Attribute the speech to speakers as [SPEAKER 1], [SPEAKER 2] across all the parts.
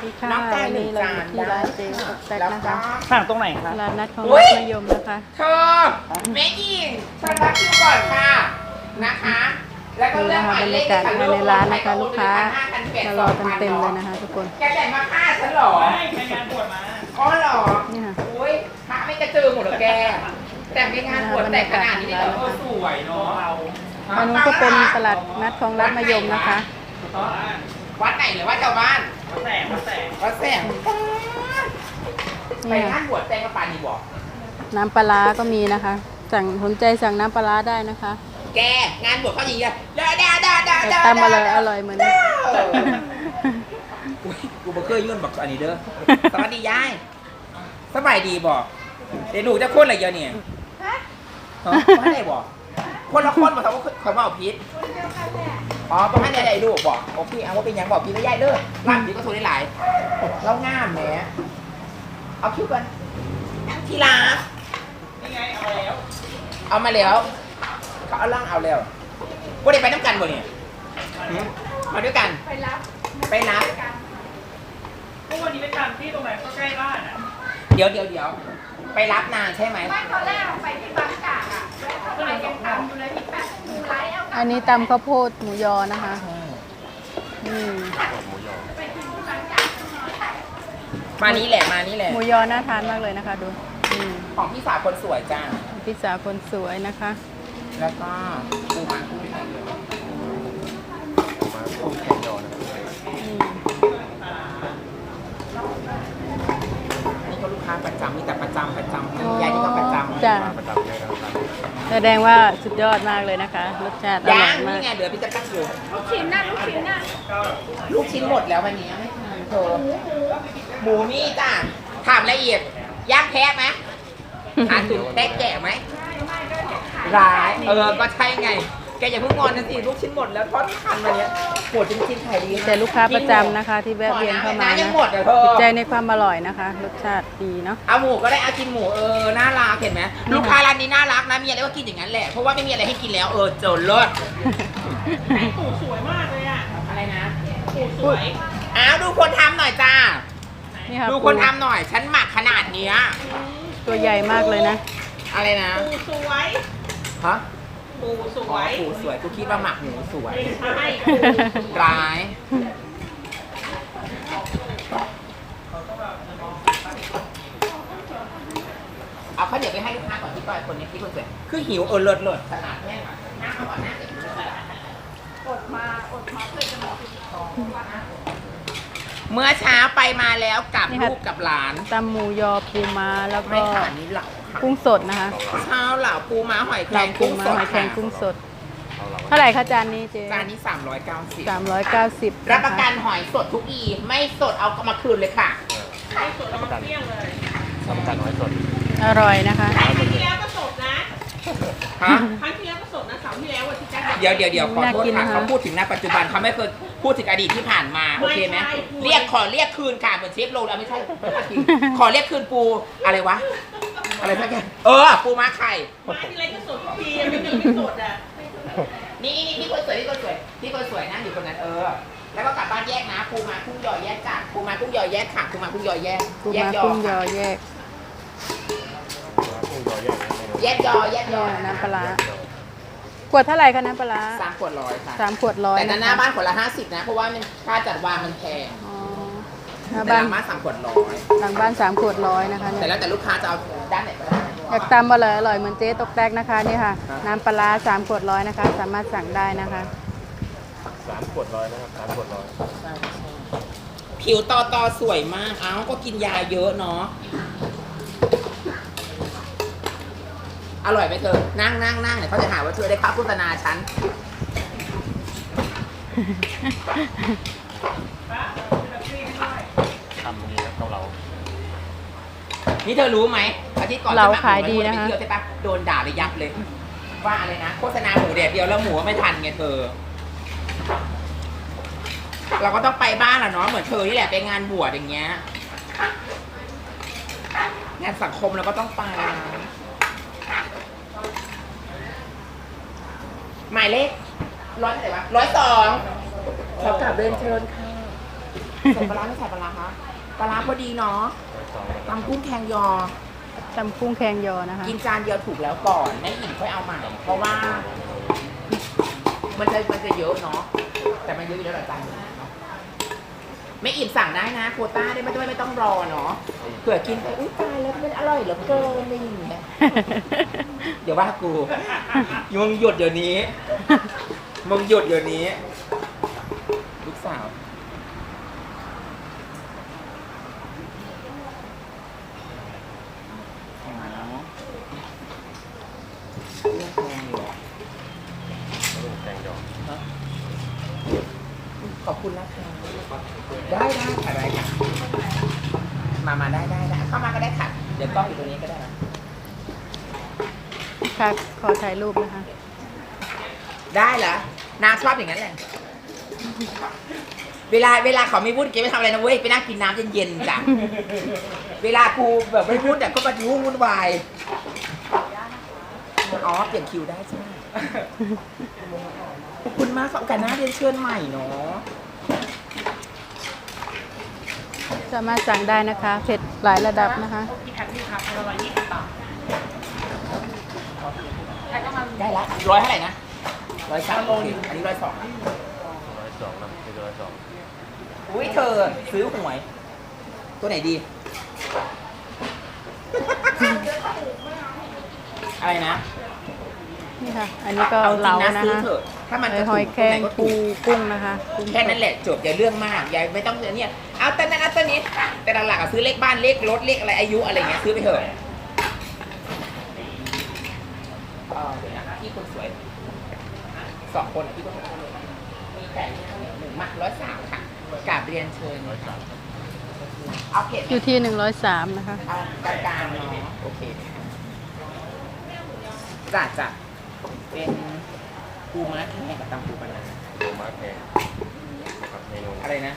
[SPEAKER 1] ดีค่ะ
[SPEAKER 2] น้องไก่
[SPEAKER 1] วัน
[SPEAKER 2] หนึ่
[SPEAKER 1] นี้
[SPEAKER 2] ง
[SPEAKER 1] เรา
[SPEAKER 2] จา
[SPEAKER 1] อน ยู่ที่ร้านเจ๊ตกแตก
[SPEAKER 2] แล้ว
[SPEAKER 1] นะ
[SPEAKER 2] ก็
[SPEAKER 1] คะ
[SPEAKER 3] สั่งตรงไหนคะ
[SPEAKER 1] ร้านนัดของ
[SPEAKER 2] อุ๊
[SPEAKER 1] รั
[SPEAKER 2] ย
[SPEAKER 1] ฐมยมนะคะ
[SPEAKER 2] เธอแม่หญิงฉันรับคิวก่อนค่ะนะคะ แล้วก็
[SPEAKER 1] นี่
[SPEAKER 2] เลือ
[SPEAKER 1] นะ
[SPEAKER 2] กห
[SPEAKER 1] คะ
[SPEAKER 2] มาย
[SPEAKER 1] บรร
[SPEAKER 2] เลข
[SPEAKER 1] ยากาศ
[SPEAKER 2] ค่ะ
[SPEAKER 1] ภายในร้านนะคะ ลูกค้า
[SPEAKER 2] 1,500
[SPEAKER 1] มารอกันเต็มเลยนะคะทุกคน
[SPEAKER 2] แกแต่งมาฆ่าฉันเหรอ
[SPEAKER 3] ไปงานบวชมา
[SPEAKER 2] อ๋อเหรอ
[SPEAKER 1] นี่ค่ะ
[SPEAKER 2] อุ้ยพระไม่กระเจิงหมดเหรอแก แต่งในงานบวชแต่งขนาดนี้เลยเหรอ
[SPEAKER 3] สวยเนาะ
[SPEAKER 1] อันนู้นก็เป็นตลาดนัดของรัฐมยมนะคะ
[SPEAKER 2] วัดไหนหรือว่าชาวบ้าน
[SPEAKER 3] มาแสง
[SPEAKER 2] วัดแสงไป
[SPEAKER 1] นี่
[SPEAKER 2] งา
[SPEAKER 1] ค่ะ
[SPEAKER 2] นบวชแต่งกระปานนี่บอก
[SPEAKER 1] น้ำปลาร้าก็มีนะคะ สนใจสั่งน้ำปลาร้าได้นะคะ
[SPEAKER 2] แกงานบวชเขาอย่างเงี้ยดา
[SPEAKER 1] แต่ตำอร่อยเหมือนกัน
[SPEAKER 2] อุ๊ยกูบ่เคยยื่นบอกอันนี้เด้อสวัสดียายสบายดีบอกเดี๋ยวหนูจะคนอะไรเยอะเนี่ยฮะไม่ได้บอกคนละคนบอกเขาเขาบอกพิษอ๋อประมาณใดๆลูกบอกโอเคเอาว่าเป็นยังบอกพี่ไม่ยายเด้อร่างพี่ก็โทรได้หลายแล้วงามแหมเอาคิวกันทีลา
[SPEAKER 3] นี่ไงเอาแล้ว
[SPEAKER 2] เอามาแล้วเขาเอาล่างเอาแล้วว่าได้ไปน้ำกันบ่เนี่ยมาด้วยกันไปรับ
[SPEAKER 3] เมื่อวันนี้ไปทำที่ตรงไหนก็ใกล้บ้านอ่ะ
[SPEAKER 2] เดี๋ยวไปรับนานใช่ไหม
[SPEAKER 4] ไม่ตอนแรกไปที่บางจากอ่ะแล้วไปยังทำอยู่เลยที่แป๊บหมูไลท์เอา
[SPEAKER 1] อันนี้ตำข้าวโพดหมูยอนะคะนี่
[SPEAKER 2] มานี้แหละ
[SPEAKER 1] หมูยอน่าทานมากเลยนะคะดูนี่
[SPEAKER 2] ของพี่สาวคนสวยจ้า
[SPEAKER 1] พิซซ่าคนสวยนะคะ
[SPEAKER 2] แล้วก็ปูม้ากุ้งไข่เยอะ
[SPEAKER 1] นี่
[SPEAKER 2] นี่ก็ลูกค้าประจำมีแต่ประจำยายนี่ก็ประจำ
[SPEAKER 1] จ้ะแสดงว่าสุดยอดมากเลยนะคะ รสชาติอร่
[SPEAKER 2] ย่า
[SPEAKER 1] อง ยมาก
[SPEAKER 2] นี่ไงเดี๋ยวพี่จะตั้งอยู่
[SPEAKER 4] ลูกชิ้นน่ะลูกชิ้นน่ะ
[SPEAKER 2] ลูกชิ้นหมดแล้ววันนี้ไม่ทันเธอหมูนี่จ้าถามละเอียดย่างแพ้ไหมหาถึงแพ้แก่ไหมร้ายก็ใช่ไงแกอย่าเพิ่งงอนนะสิลูกชิ้นหมดแล้วทอดทันวันนี้หมดจริงๆขายดี
[SPEAKER 1] แต่ลูกค้าประจำนะคะ ที่แวะเวียนเข้ามา
[SPEAKER 2] ยั
[SPEAKER 1] นะ
[SPEAKER 2] งหมดอ่ะเธอ
[SPEAKER 1] ติดใจในความอร่อยนะคะ รสชาติดีเนาะ
[SPEAKER 2] เอาหมูก็ได้เอากินหมูน่ารักเห็นไหมลูกค้าร้านนี้น่ารักนะมีอะไรก็กินอย่างนั้นแหละเพราะว่าไม่มีอะไรให้กินแล้วเจอเลิศ
[SPEAKER 3] ปู่สวยมากเลยอ่ะ
[SPEAKER 2] อะไรนะ
[SPEAKER 3] ปู่สวย
[SPEAKER 2] อ้าวดูคนทำหน่อยจ้า
[SPEAKER 1] นี่ค่ะ
[SPEAKER 2] ดูคนทำหน่อยฉันหมักขนาดเนี้ย
[SPEAKER 1] ตัวใหญ่มากเลยนะ
[SPEAKER 2] อะไรนะ
[SPEAKER 3] ปู่สวย
[SPEAKER 2] ฮะ
[SPEAKER 3] ปู่ส
[SPEAKER 2] อ๋
[SPEAKER 3] ว
[SPEAKER 2] อย ปูสวยกูคิดว่าหมักหมูสวย
[SPEAKER 3] ใช่
[SPEAKER 2] ร้ายเอาข้าวเหนียวไปให้ลูกค้าก่อนที่ก้อยคนนี้ที่คนสวยคือหิวเลิศขนาดแม่งนั่งเอาก่อนนั่งเดี๋ยว
[SPEAKER 4] อดมาเพื่อจะมากินของ
[SPEAKER 2] เมื่อเช้าไปมาแล้วกับ
[SPEAKER 1] นี่ค่ะ
[SPEAKER 2] ลูกกับหลาน
[SPEAKER 1] ตำหมูยอปูม้าแล้ว
[SPEAKER 2] ไม่
[SPEAKER 1] ก็
[SPEAKER 2] ขาดนี้เหล่าค่ะ
[SPEAKER 1] กุ้งสดนะคะ
[SPEAKER 2] เช้าเหล่าปูม้าหอยแคร
[SPEAKER 1] เรา
[SPEAKER 2] ง
[SPEAKER 1] ปู
[SPEAKER 2] กุ้ง
[SPEAKER 1] ม้า
[SPEAKER 2] สด
[SPEAKER 1] หอยแครง
[SPEAKER 2] ค่ะ
[SPEAKER 1] กุ้งสด เท่าไหร่คะจานนี้เจ๊
[SPEAKER 2] จานนี้390
[SPEAKER 1] 390
[SPEAKER 2] รับประกันหอยสดทุกอีไม่สดเอามาคืนเลยค่ะ
[SPEAKER 3] ไม่สดเอามาเที่ยงเลย
[SPEAKER 1] อร่อยนะคะ
[SPEAKER 3] ครั้งที่แล้วก็สดนะ
[SPEAKER 2] ฮะ
[SPEAKER 3] ครั้งที่แล้วก็สดนะเสาร์ที่แล้ววันที่แจ๊ค
[SPEAKER 2] เดี๋ยวขอโทษ
[SPEAKER 1] น่ากิน
[SPEAKER 2] ค่ะ
[SPEAKER 1] นะคะ
[SPEAKER 2] เขาพูดถึงณปัจจุบันเขาไม่เคยพูดถึงอดีตที่ผ่านมาโอเคไหมเรียกคืนค่ะเหมือนเชฟโรลเอาไม่ใช่ขอเรียกคืนปูอะไรวะอะไรสักอย่างปูม้าไข่
[SPEAKER 3] มาที่ไรก็สดทุกปีไม่มีไม่สดอ่ะ
[SPEAKER 2] นี่คนสวยนั่งอยู่คนนั้นแล้วก็กลับบ้านแยกนะปูม้ากุ้งยอแยกจ้ะปูม้ากุ้งยอแยกค่ะปูม้ากุ้งยอแยก
[SPEAKER 1] ปู
[SPEAKER 2] แยก
[SPEAKER 1] ม้าย
[SPEAKER 2] อ
[SPEAKER 1] กุ้งยอแยก
[SPEAKER 2] แยกยอ
[SPEAKER 1] น้ำปลาร้าขวดเท่าไหร่คะน้ำปลาร้า
[SPEAKER 2] 3 ขวดร้อยค่ะ
[SPEAKER 1] 3 ขวดร้อย
[SPEAKER 2] แต่
[SPEAKER 1] นะ
[SPEAKER 2] หน้า
[SPEAKER 1] คะ
[SPEAKER 2] บ้านขวดละ50นะเพราะว่ามันค่าจัดวางมันแพง
[SPEAKER 1] อ๋อหน้า
[SPEAKER 2] แต่
[SPEAKER 1] บ้า
[SPEAKER 2] ห
[SPEAKER 1] น
[SPEAKER 2] ลังบ้าน3 ขวดร้อย
[SPEAKER 1] หลังบ้าน3 ขวดร้อยนะคะ
[SPEAKER 2] แต่
[SPEAKER 1] เนี่ย
[SPEAKER 2] แล้วแต่ลูกค้าจะเอาด้านไหนก็ได้
[SPEAKER 1] อยากตำอร่อยเหมือนเจ๊ตกแตกนะคะนี่ค่ะ น้ำปลาร้า3 ขวดร้อยนะคะ สามารถสั่งได้นะคะ
[SPEAKER 2] ผิวตอสวยมากเอ้าก็กินยาเยอะเนาะอร่อยไหมเธอนั่งเดี๋ยวเขาจะหาว่าเธอได้ค่าโฆษณาฉันนี่เธอรู้ไหมอาทิตย์ก่อน
[SPEAKER 1] เรา
[SPEAKER 2] ฉันหมักหมู
[SPEAKER 1] ขายดีนะคะ
[SPEAKER 2] ไปเที่ยวใช่ปะโดนด่าเลยยับเลย ว่าอะไรนะโฆษณาหมูแดดเดียวแล้วหมูไม่ทันไงเธอ เราก็ต้องไปบ้านแหละเนาะเหมือนเธอนี่แหละไปงานบวชอย่างเงี้ยงานสังคมเราก็ต้องไปนะหมายเลข100เท่าไหร่วะ102ขอกลับเรียนเชิญค่ะใส่ปลาร้าไม่ใส่ปลาร้าคะพอดีเนาะตำกุ้งแคงยอ
[SPEAKER 1] ตำกุ้งแคงยอนะคะ
[SPEAKER 2] กินจานเดียวถูกแล้วก่อนแม่อิ่มค่อยเอาใหม่เพราะว่า มันจะเยอะเนาะแต่มันเยอะอยู่แล้วหลายจานเนาะไม่อิ่มสั่งได้นะโควต้าได้ไม่ต้องรอเนาะเผื่อกินไปอุ้ยตายแล้วมันอร่อยเหลือเกินอะไรอย่างเงี้ยเดี๋ยวว่ากูมึงหยุดเดี๋ยวนี้มึงหยุดเดี๋ยวนี้ลูกสาวขอบคุณนะคะได้อะไรกันมาได้เข้ามาก็ได้ค่ะเดี๋ยวกล้องอยู่ตรงนี้ก็ได้นะ
[SPEAKER 1] ค่ะขอถ่ายรูปนะคะ
[SPEAKER 2] ได้เหรอนางชอบอย่างนั้นแหละเวลาเขาไม่พูดเกไม่ทำอะไรนะเว้ยไปนั่งกินน้ำเย็นๆจ้ะเวลากูแบบไม่พูดแต่ก็มาวุ่นวายอ๋อเปลี่ยนคิวได้ใช่ไหมขอบคุณมากสำหรับการหน้าเรียนเชิญใหม่เนาะ
[SPEAKER 1] สามารถสั่งได้นะคะเผ็ดหลายระดับนะคะ
[SPEAKER 2] ได้ละ100เท่าไหร่นะ103โลนึงอันนี้102
[SPEAKER 5] 102นะไม่เกิน102
[SPEAKER 2] อุ้ยเธอซื้อหวย ตัวไหนดี อะไรนะ
[SPEAKER 1] นี่ค่ะ อันนี้ก็
[SPEAKER 2] เอาจริ
[SPEAKER 1] เหลาง
[SPEAKER 2] นะ
[SPEAKER 1] นะ
[SPEAKER 2] ซื้อ
[SPEAKER 1] คะ
[SPEAKER 2] เถอะถ้ามันจะ
[SPEAKER 1] หอยแครงปูกุ้งนะคะกุ้ง
[SPEAKER 2] แค่นั้นแหละจบอย่าเรื่องมากอย่าไม่ต้องเนี่ยเอาแต่นั้นเอาแต่นี้แต่หลักๆอะซื้อเลขบ้านเลขรถเลขอะไรอายุอะไรเงี้ยซื้อไปเถอะเดี๋ยวนะพี่คนสวย2 คนอะพี่คนสวยมีไก่1 มัด103ค่ะกราบเรียนเชิญเอาเผ็ด
[SPEAKER 1] อยู่ที่103นะคะ
[SPEAKER 2] เอากลางๆเนาะโอเคจ้ะเป็นปูม้าแห้งกับตำปูปลาร้า
[SPEAKER 5] โลมาแพงนะครับเมนู
[SPEAKER 2] อะไรนะ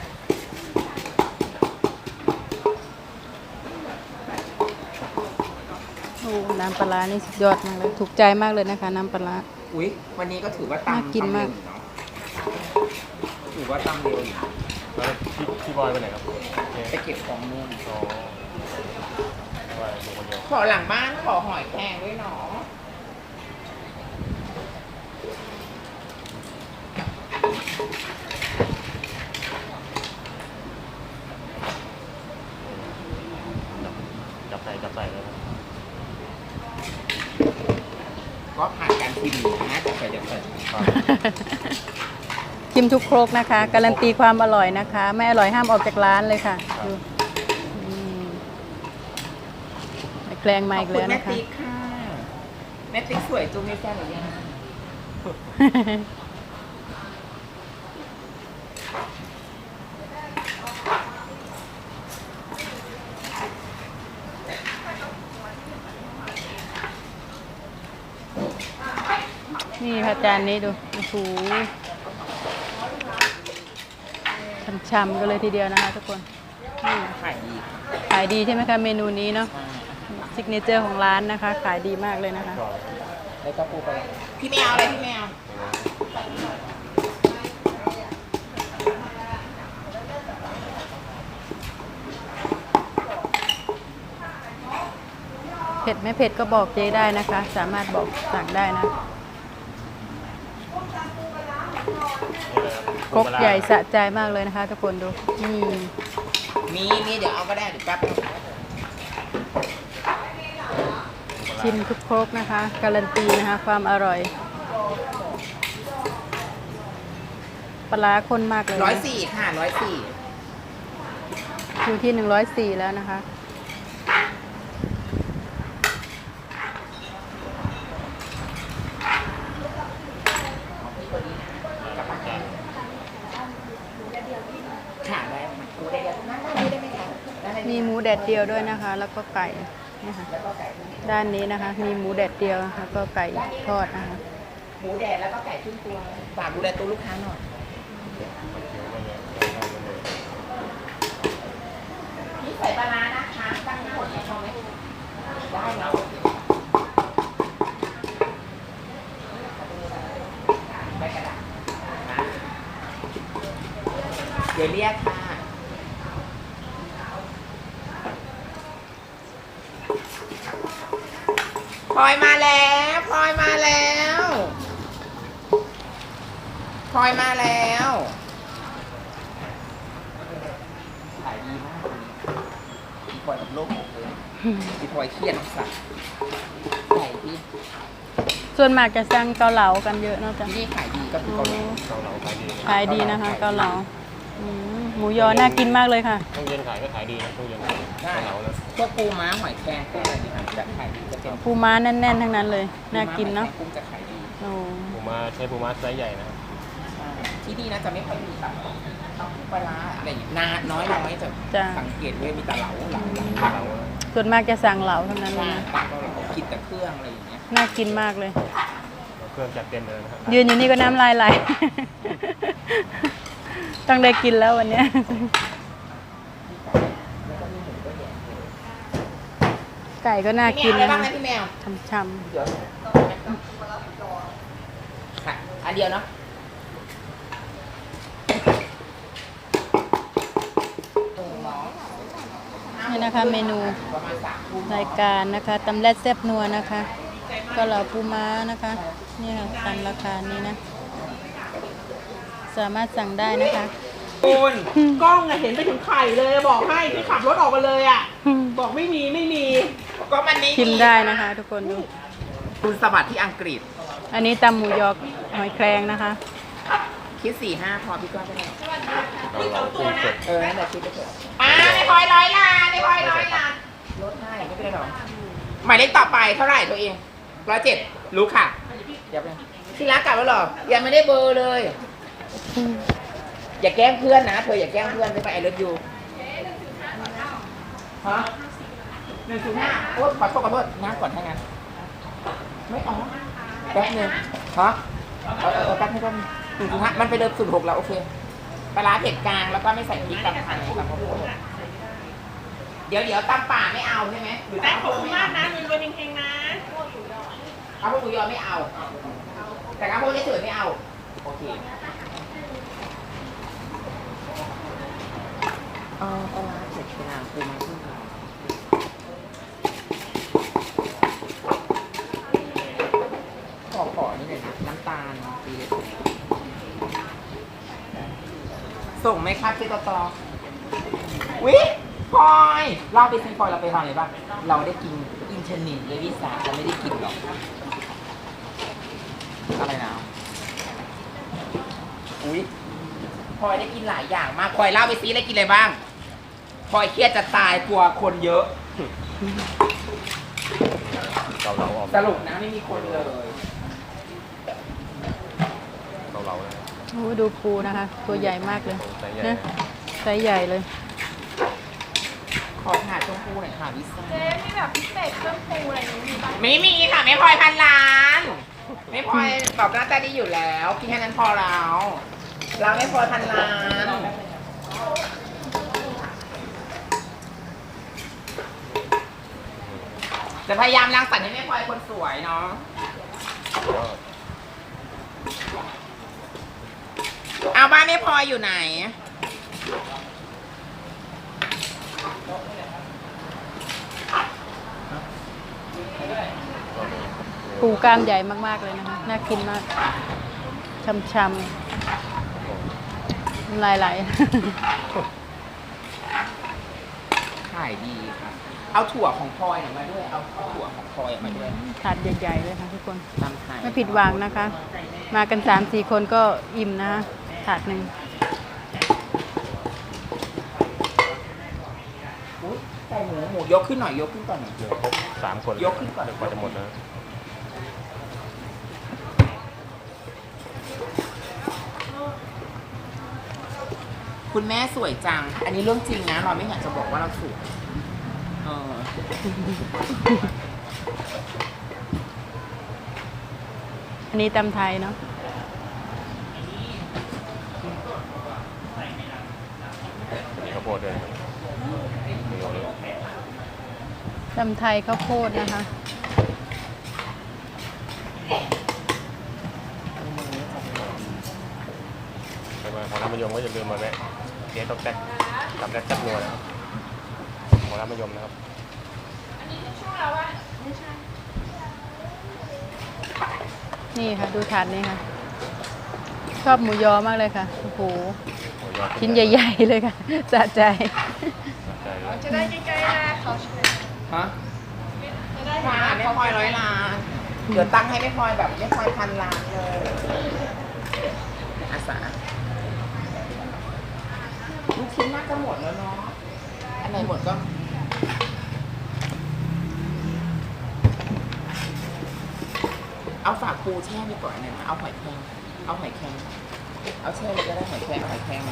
[SPEAKER 1] โอ้น้ำปลาร้านี่สุดยอดมากเลยถูกใจมากเลยนะคะ น้ำปลาร้า
[SPEAKER 2] อุ๊ยวันนี้ก็ถือว่า
[SPEAKER 1] น่า
[SPEAKER 2] ตำ
[SPEAKER 1] กินมาก
[SPEAKER 2] เร็วอยู่เนาะถือว่าตำเร็วอยู่
[SPEAKER 5] แล้วพี่บอยไปไหนครับ
[SPEAKER 2] ไปเก็บของนู่น
[SPEAKER 5] อ๋อว่าอยู่คนเดียว
[SPEAKER 2] ขอหลังบ้านขอหอยแครงด้วยเนาะ
[SPEAKER 5] จับใส่เลยครับ
[SPEAKER 2] ก็ผ่านการชิมนะจะใส่เดี๋ยวใส่
[SPEAKER 1] ชิมทุกครกนะคะ การันตีความอร่อยนะคะ ไม่อร่อยห้ามออกจากร้านเลยค่ะดูแกลงมา
[SPEAKER 2] ขอ
[SPEAKER 1] อี
[SPEAKER 2] บ
[SPEAKER 1] ก
[SPEAKER 2] คุณ
[SPEAKER 1] แล้ว
[SPEAKER 2] แม่
[SPEAKER 1] นะคะ
[SPEAKER 2] ติ๊กค่ะแม่ติ๊กสวยจุงมีแฟนหรือยัง
[SPEAKER 1] นี่ค่ะจานนี้ดูโอ้โหช่ำๆกันเลยทีเดียวนะคะทุกคนนี่
[SPEAKER 2] ขายดี
[SPEAKER 1] ขายดีใช่ไหมคะเมนูนี้เนาะซิกเนเจอร์ของร้านนะคะ ขายดีมากเลยนะคะ
[SPEAKER 2] แล้วก็ปูไปพี่แมวอะไรพี่แมว
[SPEAKER 1] เผ็ดไม่เผ็ดก็บอกเจ๊ได้นะคะ สามารถบอกสั่งได้นะครกใหญ่สะใจมากเลยนะคะ ทุกคนดูนี่
[SPEAKER 2] มีเดี๋ยวเอาก็ได้เดี๋ยวแป๊บนึง
[SPEAKER 1] ชิมทุกครกนะคะ การันตีนะคะ ความอร่อยปลาร้าข้นมากเลยนะ
[SPEAKER 2] 104ค่ะ104
[SPEAKER 1] อยู่ที่104แล้วนะคะ
[SPEAKER 2] ค่ะได้ไหมหมูแดดเดียวนั่นได้ไหมคะได้ไหม
[SPEAKER 1] มีหมูแดดเดียวด้วยนะคะ แล้วก็ไก่นะคะ
[SPEAKER 2] แล้วก็ไก่
[SPEAKER 1] ด้านนี้นะคะ มีหมูแดดเดียวแล้วก็ไก่ทอดนะคะ
[SPEAKER 2] หมูแดดแล้วก็ไก่ครึ่งตัวฝากดูแลตัวลูกค้าหน่อยนี่ใส่ปลาร้านะคะตั้งทั้งหมดในช่องไหมได้เนาะใบกระดาษนะเดี๋ยวเรียกค่ะพลอยมาแล้วพลอยมาแล้วพลอยมาแล้วขายดีมากเลยอีพลอยกับโลกหมดเลยอีพลอยเครียดสัตว์ขายดี
[SPEAKER 1] ส่วนมากจะสั่งเกาเหลากันเยอะเนอะจ๊ะ
[SPEAKER 2] ที่ขายดีก็คือเกาหลี
[SPEAKER 5] เราขายดี
[SPEAKER 1] ขายดีนะคะเกาเหลาหมูยอน่ากินมากเลยค่ะ
[SPEAKER 5] ต้องเย็นขายก็ขายดีนะต้องเย็นขายเรานะ
[SPEAKER 2] พวกปูม้าหอยแครงพวกอะไรนี่ครับจะขายดีจะเป็น
[SPEAKER 1] ปูม้าแน่นๆทั้งนั้นเลย น่ากินเนาะ
[SPEAKER 2] ปูม้าหอยแครงกุ้งจะขายดี
[SPEAKER 1] โอ้
[SPEAKER 5] ปูม้าใช้ปูม้าไซส์ใหญ่นะ
[SPEAKER 2] ที่นี่นะจะไม่ค่อยมีแบบปลาร้าอะไรอย่างเงี้ยน้อยจะ
[SPEAKER 1] จ้ะ
[SPEAKER 2] สังเกตเลยมีแต่เหลา
[SPEAKER 5] เรา
[SPEAKER 1] ส่วนมากจะสั่งเหลาทั้งนั้นเลย
[SPEAKER 2] ว่า
[SPEAKER 1] นะ
[SPEAKER 2] ปลาก็เรากินแต่เครื่องอะไรอย่างเงี้ย
[SPEAKER 1] น่ากินมากเลย
[SPEAKER 5] เครื่องจัดเต็มเลยนะครับ
[SPEAKER 1] ยืนอยู่นี่ก็น้ำลายไหล ต้องได้กินแล้ววันเนี้ยไก่ก็น่ากิน
[SPEAKER 2] พี่แมวอะไร
[SPEAKER 1] นะ
[SPEAKER 2] บ้างนะพี่แมว
[SPEAKER 1] ช่ำ
[SPEAKER 2] เดี๋ยวค่ะอันเดียวเนาะ
[SPEAKER 1] ๆนี่นะคะเมนู
[SPEAKER 2] ประมาณ3 ทุ่ม
[SPEAKER 1] รายการนะคะตำแรดแซ่บนัวนะคะเก็เหลาปูม้านะคะนี่ค่ะตามราคานี้นะ สามารถสั่งได้นะคะ
[SPEAKER 2] คุณ
[SPEAKER 3] กล้องอะเห็นไปถึงไข่เลยบอกให้ที่ขับรถออกมาเลยอะบอกไม่มี
[SPEAKER 2] ก็มันไม่
[SPEAKER 1] ชิมได้นะคะ ทุกคนดู
[SPEAKER 2] คุณสวัสดิ์ที่อังกฤษ
[SPEAKER 1] อันนี้ตำหมูยอหอยแครงนะคะ
[SPEAKER 2] คิด4-5พอพี่ก้อนก็ได้
[SPEAKER 5] เรากุ้งสด
[SPEAKER 2] นั่นแหละคิดไปเถอะในพลอย100 ล้านลดให้ไม่เป็นไรหรอกหมายเลขต่อไปเท่าไหร่ตัวเอง107รู้ค่ะเดี๋ยวไปที่รักกลับแล้วหรอยังไม่ได้เบอร์เลย อย่าแกล้งเพื่อนนะเธออย่าแกล้งเพื่อนไปไอเลิฟยูฮะ105โอ๊ยขอโทษน้ำก่อนให้งั้นไม่อ๋อแป๊บนึงฮะแป๊บนึงก็105มันไปเดิม06แล้วโอเคปลาร้าเผ็ดกลางแล้วก็ไม่ใส่พริกตำไทยตำข้าวโพดเดี๋ยวตำป่าไม่เอาใช่ไหมหรือ
[SPEAKER 3] แต่
[SPEAKER 2] ตำ
[SPEAKER 3] ขอบคุณมากนะรวยๆเฮงๆนะ
[SPEAKER 2] ข้าวโพดหมูยอไม่เอา แต่ข้าวโพดเฉยๆไม่เอาโอเคปลาร้าเผ็ดกลางปูม้าขึ้นขอนี่เลยน้ำตาลปีเล็กส่งไหมครับเจ๊ตอวิพลอยเราไปซื้อพลอยเราไปทำอะไรบ้างเราได้กินอินเทอร์เน็ตเลยวิสาเราไม่ได้กินหรอกอะไรนะอุ้ยพลอยได้กินหลายอย่างมากพลอยเล่าไปซิได้กินอะไรบ้างพลอยเครียดจะตายกลัวคนเยอะ
[SPEAKER 5] เราออก
[SPEAKER 2] สรุปนะไม่มีคนเลย
[SPEAKER 5] เรานะ
[SPEAKER 1] โอ้ดูปูนะคะ ตัวใหญ่มากเลย
[SPEAKER 5] ไซส์ใหญ่
[SPEAKER 1] นะไซส์ใหญ่เลย
[SPEAKER 2] ขอถาดชมพูหน่อยค่ะวิซ่า
[SPEAKER 4] เจ๊มีแบบพิเศษเครื่องปรุงอะไรอย่างนี้มีบ้าง
[SPEAKER 2] ไม่มีค่ะไม่พลอยพันล้าน ไม่พลอยตอบหน้าตาดีอยู่แล้วกินแค่นั้นพอแล้วเราไม่พลอยพันล้านจะพยายามรังสรรค์ให้แม่พลอยคนสวยเนาะเอาบ้านแม่พลอยอยู่ไหน
[SPEAKER 1] ปูกล้ามใหญ่มากๆเลยนะคะ น่ากินมากช่ำๆลายไหล
[SPEAKER 2] ขายดีค่ะ เอาถั่วของพลอยหน่อยมาด้วย เอาถั่วของพลอยมาด้วย
[SPEAKER 1] ถาดใหญ่ๆเลยค่ะทุกคน
[SPEAKER 2] ตำไทย
[SPEAKER 1] ไม่ผิดหวังนะคะ มากัน 3-4 คนก็อิ่มนะคะถาดหนึ่ง
[SPEAKER 2] อุ๊ยไก่หมูยกขึ้นหน่อยยกขึ้นก่อนหน่อย
[SPEAKER 5] หนึ่งครบ3 คน
[SPEAKER 2] ยกขึ้นก่อน
[SPEAKER 5] กว่าจะหมดนะ
[SPEAKER 2] คุณแม่สวยจัง อันนี้เรื่องจริงนะเราไม่อยากจะบอกว่าเราสวยเออ
[SPEAKER 1] อันนี้ตำไทยเนาะ
[SPEAKER 5] มีข้าวโพดด้วยมีโอริโอ
[SPEAKER 1] ตำไทยข้าวโพดนะคะ
[SPEAKER 5] ใครมาพอร้านมะยมก็อย่าลืมมาแวะเจ๊ต้องแซ่บทำแซ่บแซ่บนัวนะครับพอร้านมะยมนะครับ
[SPEAKER 4] อันนี้ทิชชู่แล้ววะไม่ใช่
[SPEAKER 1] นี่ค่ะ ดูถาดนี้ค่ะ ชอบหมูยอมากเลยค่ะ โอ้โห
[SPEAKER 5] หมูยอ
[SPEAKER 1] ชิ้นใหญ่ๆเลยค่ะ สะใจ
[SPEAKER 5] ใจเลย
[SPEAKER 4] จะได้ใกล้ๆนะเขาช่วย
[SPEAKER 2] ฮะมาไม่พลอย100 ล้าน เดี๋ยวตั้งให้ไม่พลอยแบบไม่พลอย1,000 ล้านเลยอาสาลูกชิ้นน่าจะหมดแล้วเนาะ อันไหนหมดก็ เอาฝากปูแช่ไปก่อนหนึ่งเอาหอยแครงเอาหอยแครงเอาแช่เลยก็ได้หอยแครงเอาหอยแครงมา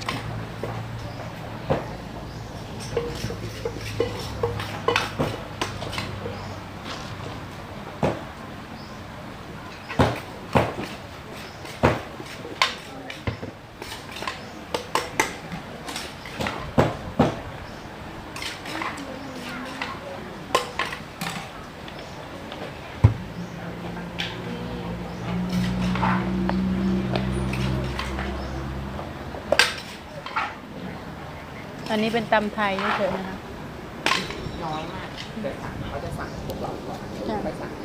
[SPEAKER 1] อันนี้เป็นตำไทยเฉยๆนะคะ
[SPEAKER 2] น้อยมากเดี๋ยวสั่งเขาจะสั่งพวกเราก่อน
[SPEAKER 1] จ้ะ
[SPEAKER 2] ไปสั่ง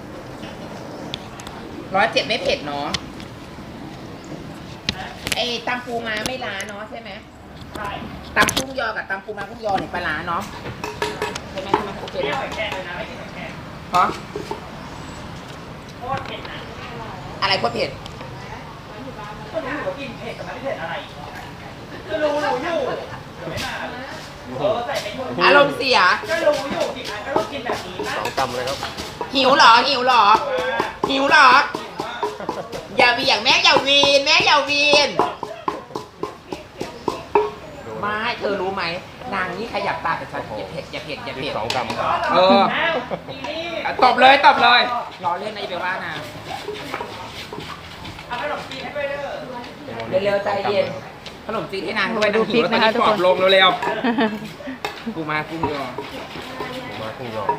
[SPEAKER 2] 107ไม่เผ็ดเนาะไอ้ตำปูม้าไม่ล้าเนาะใช่ไหมใช่ตำกุ้งยอกับตำปูม้ากุ้งยอเนี่ยปลาล้าเนาะใช่ไหมโอเคนะฮะอะไรโคตรเผ็ดอารมณ์เสีย
[SPEAKER 5] สองตำเลยครับ
[SPEAKER 2] หิวเหรอ หิวเหรอ หิวเหรอ อย่าเบี่ยงแม่อย่าวีนแม่อย่าวีน
[SPEAKER 5] ดูนะ
[SPEAKER 2] ไม่เธอรู้ไหมนางนี่ขยับตาแต่ฉันอย่าเผ็ดอย่าเผ็ดอย่า
[SPEAKER 5] พริก
[SPEAKER 2] เผ็ด
[SPEAKER 5] 2 กรัมครับ
[SPEAKER 2] เออตบเลยตบเลยรอเล่นนะอย่าไปว่านะเร็วๆใจเย็นขนมจีนให้นางด้วย
[SPEAKER 1] ดู
[SPEAKER 2] นาง
[SPEAKER 1] พริ
[SPEAKER 2] หิ
[SPEAKER 1] ก
[SPEAKER 2] วแล้วตอน
[SPEAKER 1] นะคะ
[SPEAKER 2] นี้
[SPEAKER 1] ทุก
[SPEAKER 2] ป
[SPEAKER 1] ค
[SPEAKER 2] อน บลงเร็วๆกูมากุ้งยอ
[SPEAKER 5] หมูม้ากุ้งยอ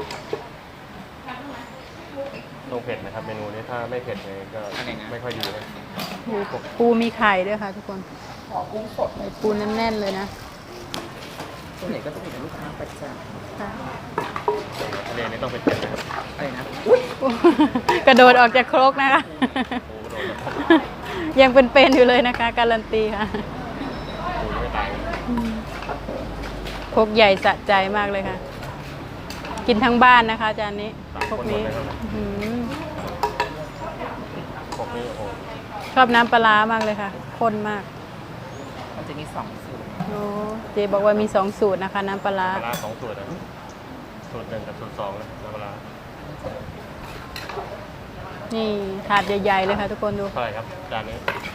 [SPEAKER 5] ต้องเผ็ดนะครับเมนูนี้ถ้าไม่เผ็ดเลยก็ไม่ค่อยดีนะ
[SPEAKER 1] ปูมีไข่ด้วยค่ะ ทุกคน
[SPEAKER 2] ขอกุ้งสด
[SPEAKER 1] ใส่ปูแน่นๆเลยนะ
[SPEAKER 2] ส่วนใหญ่ก็จะมีแต่ลูกค้าประจ
[SPEAKER 1] ค่ะ
[SPEAKER 5] ทะเลนี่ต้องเป็นเผ็ดนะครับ
[SPEAKER 2] ำอะไรนะอุ้ย
[SPEAKER 1] กระโดดออกจากโครกนะคะ
[SPEAKER 5] โอ้โหโดนแล้วครับ
[SPEAKER 1] ยังเป็นๆอยู่เลยนะคะ การันตีค่ะ
[SPEAKER 5] ปูไม่ตาย
[SPEAKER 1] โครกใหญ่สะใจมากเลยค่ะ กินทั้งบ้านนะคะจานนี้โครกนี้อื้อหือ
[SPEAKER 5] พวกนี้โอ้โห
[SPEAKER 1] ชอบน้ำปลาร้ามากเลยค่ะข้นมาก
[SPEAKER 2] มันจะมี2 สูตร
[SPEAKER 1] โอ้เจบอกว่ามี2สูตรนะคะ น้ำปลาร้า
[SPEAKER 5] ปลาร้า2 สูตรนะสูตร 1กับสูตร 2นะน้ำปลาร้า
[SPEAKER 1] นี่ถาดใหญ่ๆเลยค่ะ ทุกคนดู
[SPEAKER 5] เท่าไหร่ครับจานนี้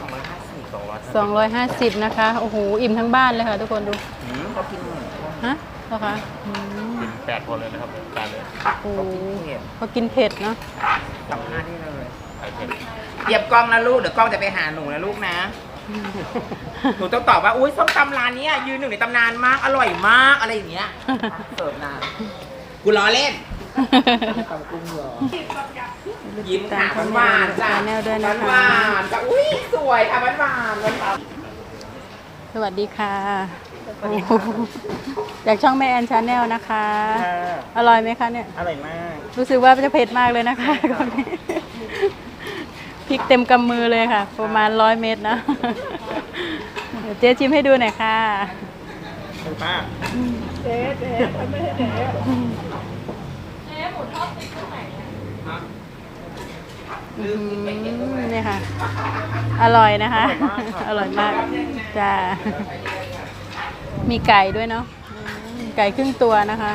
[SPEAKER 2] 250
[SPEAKER 1] 250นะคะโอ้โหอิ่มทั้งบ้านเลยค่ะทุกคนดู
[SPEAKER 2] เขากินหมู
[SPEAKER 1] ฮะเหรอคะอืม
[SPEAKER 5] กิน8 คนเลยนะครับจานนี้
[SPEAKER 1] โอ้โห
[SPEAKER 2] เขากินเผ็ด
[SPEAKER 1] เขากินเผ็ดเนาะ
[SPEAKER 2] สัมภาษณ์ได้เลย
[SPEAKER 5] ไข่เผ็ด
[SPEAKER 2] เหยียบกล้องนะลูก เดี๋ยวกล้องจะไปหาหนูนะลูกนะ หนูต้องตอบว่า อุ้ยส้มตำร้านเนี้ยยืนหนึ่งในตำนานมาก อร่อยมาก อะไรอย่างเงี้ย เสิร์ฟนานกูล้อเล่นตำกุ้งเหรอยิ้มค่ะหวานๆจ้ะ
[SPEAKER 1] แนลด้วยนะคะ
[SPEAKER 2] หวานๆจ้ะอุ้ยสวยค่ะหวานๆหวาน
[SPEAKER 1] สวัสดีค่ะโอ้โหจากช่องแม่แอนชาแนลนะคะ อร่อยไหมคะเนี่ย
[SPEAKER 2] อร่อยมาก
[SPEAKER 1] รู้สึกว่าจะเผ็ดมากเลยนะคะก่อนนี้พริกเต็มกำมือเลยค่ะ ประมาณ100 เม็ดนะเดี๋ยวเจ๊ชิมให้ดูหน่อยค่ะ
[SPEAKER 2] ป้า
[SPEAKER 3] เจ๊ไม่ใช่เจ๊
[SPEAKER 1] นี่ค่ะ อร่อยนะคะ อร่อยมากจ้ามีไก่ด้วยเนาะไก่ครึ่งตัวนะคะ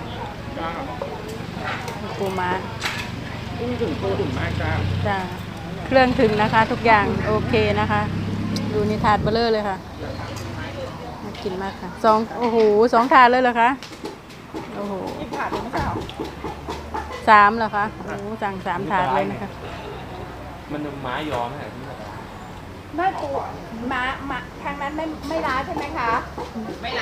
[SPEAKER 1] ปูม้า
[SPEAKER 2] กุ้งถึงปูถึงมากจ้า
[SPEAKER 1] จ้าเครื่องถึงนะคะ ทุกอย่างโอเคนะคะ ดูนี่ถาดเบลเลอร์เลยค่ะน่ากินมากค่ะโอ้โห2 ถาดเลยเหรอคะโอ้โห
[SPEAKER 3] ผ่านเลยไม่ใช่หรอ
[SPEAKER 1] 3เหรอคะโอ้โหสั่ง3 ถาดเลยนะคะ
[SPEAKER 5] มันม้ายอมไหมที่
[SPEAKER 4] แม่ปูม้าทางนั้นไม่ร้าใช่ไหมคะ
[SPEAKER 2] ไม่ล